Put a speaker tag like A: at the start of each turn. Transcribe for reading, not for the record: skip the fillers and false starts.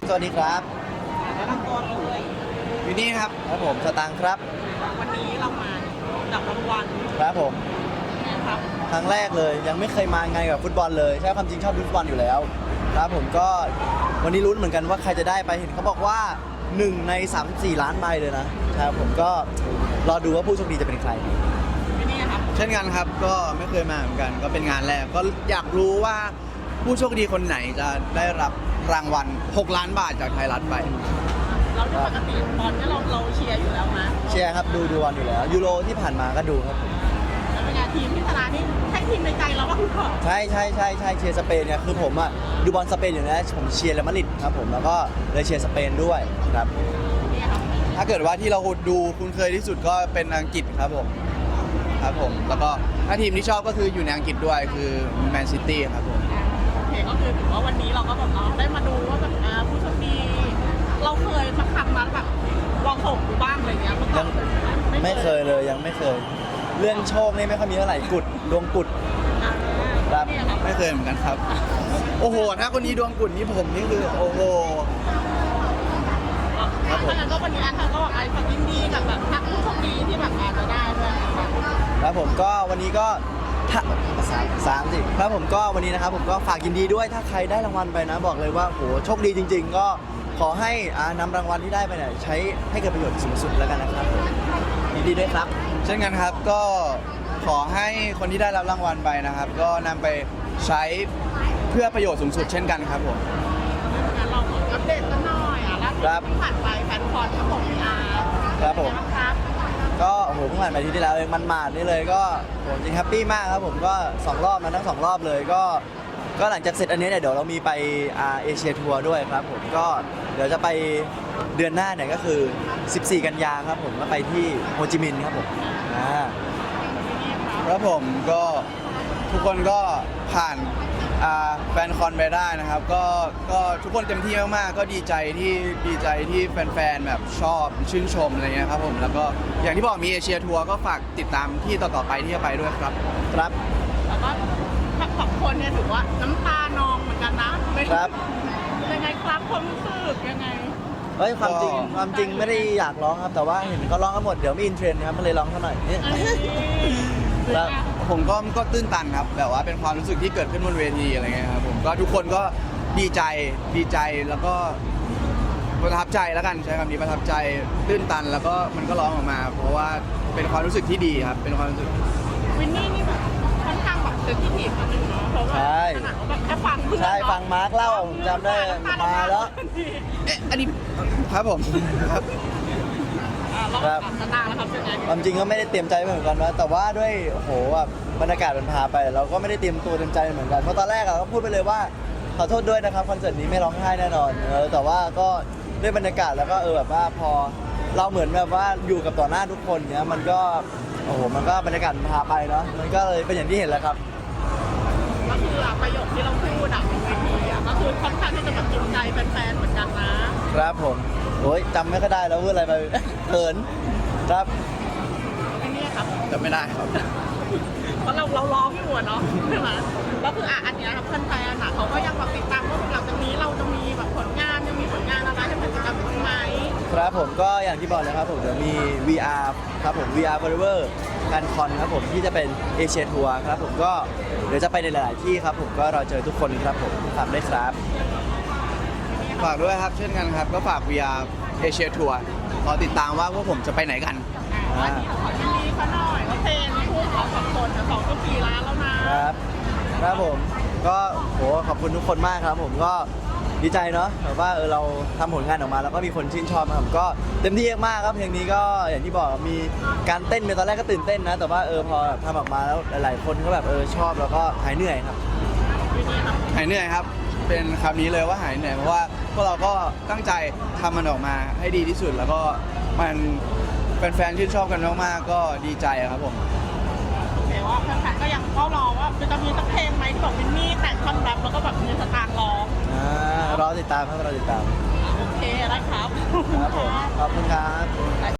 A: สวัสดีครับ
B: แนะนำตัวเลย
A: อยู่นี่ครับผมสตางค์ครับ
B: วันนี้เรามาจับรางวัล
A: ครับผม
B: นะครับ
A: ครั้งแรกเลยยังไม่เคยมาไงกับฟุตบอลเลยใช่ความจริงชอบดูฟุตบอลอยู่แล้วครับผมก็วันนี้ลุ้นเหมือนกันว่าใครจะได้ไปเห็นเขาบอกว่า1 ใน 3-4 ล้านใบเลยนะครับผมก็รอดูว่าผู้โชคดีจะเป็นใคร
B: นี่ครับ
C: เช่นกันครับก็ไม่เคยมาเหมือนกันก็เป็นงานแรกก็อยากรู้ว่าผู้โชคดีคนไหนจะได้รับรางวัล6 ล้านบาทจากไทยรัฐไป
B: เราที่ปกติบอลเนี่ยเราเชียร์อยู่แล้วนะ
A: เชียร์ครับดูบอลอยู่แล้วยูโรที่ผ่านมาก็ดูครับ
B: แล้วเป็นไงทีมที่ชนะนี่ใช่ทีมในใจเราว่าคุณพ่อ
A: ใช่เชียร์สเปนเนี่ยคือผมอ่ะดูบอลสเปนอยู่นะผมเชียร์เรอัลมาดริดครับผมแล้วก็เลยเชียร์สเปนด้วยครับ
C: ถ้าเกิดว่าที่เราดูคุ้นเคยที่สุดก็เป็นอังกฤษครับผมแล้วก็ถ้าทีมที่ชอบก็คืออยู่ในอังกฤษด้วยคือแมนซิตี้ครับผม
B: โอเคก็คือถือว่าวันนี้เราก็แบบได้มาดูว่าแบบผู้โชคดีเราเคยสักครั้งนั้นแบบลองส่งดูบ้างอะไรเงี้ย
A: ยังไม่เคยเลยยังไม่เคยเรื่องโชคนี่ไม่ค่อยมีเท่าไหร่กุดดวงกุด
C: ครับไม่เคยเหมือนกันครับโอ้โหถ้าคนนี้ดวงกุดนี่ผมนี่คือโอ้โห
B: ครับผมก็วันนี้อันก็ไอ้ฝากยินดีกับแบบทักผู้โชคดีที่แบบอาจจะได้ด้วย
A: ครับผมก็วันนี้ก็3 สิครับผมก็วันนี้นะครับผมก็ฝากยินดีด้วยถ้าใครได้รางวัลไปนะบอกเลยว่าโหโชคดีจริงๆก็ขอให้นำรางวัลที่ได้ไปเนี่ยใช้ให้เกิดประโยชน์สูงสุดแล้วกันนะครับยินดีด้วยครับ
C: เช่นกันครับก็ขอให้คนที่ได้รับรางวัลไปนะครับก็นำไปใช้เพื่อประโยชน์สูงสุดเช่นกันครับผม
B: เราอัปเดตกันหน่อยล่าสุดที่ผ่านไปแฟนคอนครับผม
A: ครับผมก็โอ้โหเพิ่งผ่านไปที่แล้วเองมันมาดนี่เลยก็โหจริงแฮปปี้มากครับผมก็2 รอบนะทั้ง2 รอบเลยก็หลังจากเสร็จอันนี้เนี่ยเดี๋ยวเรามีไปเอเชียทัวร์ด้วยครับผมก็เดี๋ยวจะไปเดือนหน้าเนี่ยก็คือ14 กันยาครับผมก็ไปที่โฮจิมินห์ครับผม
C: ครับผมก็ทุกคนก็ผ่านแฟนคอนไปได้นะครับก็ทุกคนเต็มที่มากๆก็ดีใจที่แฟนๆแบบชอบชื่นชมอะไรเงี้ยครับผมแล้วก็อย่างที่บอกมีเอเชียทัวร์ก็ฝากติดตามที่ต่อๆไปที่จะไปด้วยครับ
A: ครับ
B: แล้วก็ทั้ง2 คนเนี่ยถือว่าน้ำตานองเหมือนกันนะครับยังไงครับความรู้สึกยังไง
A: เฮ้ยความจริงไม่ได้อยากร้องครับแต่ว่าเห็นเขาร้องกันหมดเดี๋ยวมีอินเทรนด์ครับมันเลยร้องเท่าหน่อย
C: แล้วผมก็ตื้นตันครับแบบว่าเป็นความรู้สึกที่เกิดขึ้นบนเวทีอะไรเงี้ยครับผมก็ทุกคนก็ดีใจแล้วก็ประทับใจแล้วกันใช้คำนี้ประทับใจตื้นตันแล้วก็มันก็ร้องออกมาเพราะว่าเป็นความรู้สึกที่ดีครับเป็นความรู้สึก
B: วินนี่นี่แบบค่อนข้างแบบเซนซิทีฟนิดนึงเนาะเพราะว่าแบบแค่ฟัง
A: ใช่ฟังมาร์คเล่าจำได้มาแล้ว
C: อันนี้ครับผม
A: ครับความจริงก็ไม่ได้เตรียมใจเหมือนกันนะแต่ว่าด้วยโอ้โหแบบบรรยากาศมันพาไปเราก็ไม่ได้เตรียมตัวเตรียมใจเหมือนกันเพราะตอนแรกก็พูดไปเลยว่าขอโทษด้วยนะครับคอนเสิร์ตนี้ไม่ร้องไห้แน่นอนแต่ว่าก็ด้วยบรรยากาศแล้วก็แบบว่าพอเราเหมือนแบบว่าอยู่กับต่อหน้าทุกคนเนี้ยมันก็โอ้โหมันก็บรรยากาศมันพาไปเนาะมันก็เลยเป็นอย่างที่เห็นแล้วครับ
B: ก็คือประโยคที่เราพูดบนเวทีก็คือค่อนข้างที่จะแบบจูงใจแฟนๆเหมือนกันนะครับ
A: ผมโอ้ยจำไม่ค่อยได้แล้วพูดอะไรไปเขินครับ
B: ไอ้นี่ครับ
C: จำไม่ได้ครับ
B: เพราะเราร้องอยู่เนาะใช่ไหมก็คืออันนี้ครับแฟนๆเขาก็ยังแบบติดตามว่าหลังจากนี้เราจะมีแบบผลงานยังมีผลงานอะไรให้เป็นกิจกรรมไหม
A: ครับผมก็อย่างที่บอกเลยครับผมเดี๋ยวมี VR ครับผม VR Forever งานคอนครับผมที่จะเป็นเอเชียทัวร์ครับผมก็เดี๋ยวจะไปในหลายๆที่ครับผมก็รอเจอทุกคนครับผมฝากด้วยครับ
C: ฝากด้วยครับเช่นกันครับก็ฝาก VR เอเชียทัวร์รอติดตามว่าพวกผมจะไปไหนกัน
B: วันนี้ขอยินดีเขาหน่อยว่าเพลงคู่เรา2 คน2.4 ล้านแล้ว
A: ครับผมก็โหขอบคุณทุกคนมากครับผมก็ดีใจเนาะแบบว่าเราทำผลงานออกมาแล้วก็มีคนชื่นชอบครับก็เต็มที่มากครับเพลงนี้ก็อย่างที่บอกมีการเต้นในตอนแรกก็ตื่นเต้นนะแต่ว่าพอทำออกมาแล้วหลายๆคนก็แบบชอบแล้วก็หายเหนื่อยครับ
C: หายเหนื่อยครับเป็นคำนี้เลยว่าหายเหนื่อยเพราะว่าพวกเราก็ตั้งใจทำมันออกมาให้ดีที่สุดแล้วก็มันแฟนๆชื่นชอบกันมากๆก็ดีใจครับผม
B: แต่ว่าแฟนๆก็ยังเฝ้ารอว่าจะมีสักเพลงไหมที่บอกวินนี่แต่งท่อนแรปแล้วก็แบบมีสตางค์ร้อง
A: รอติดตามครับรอติดตาม
B: โอเคได้ครับ
A: ครับผมขอบคุณครับ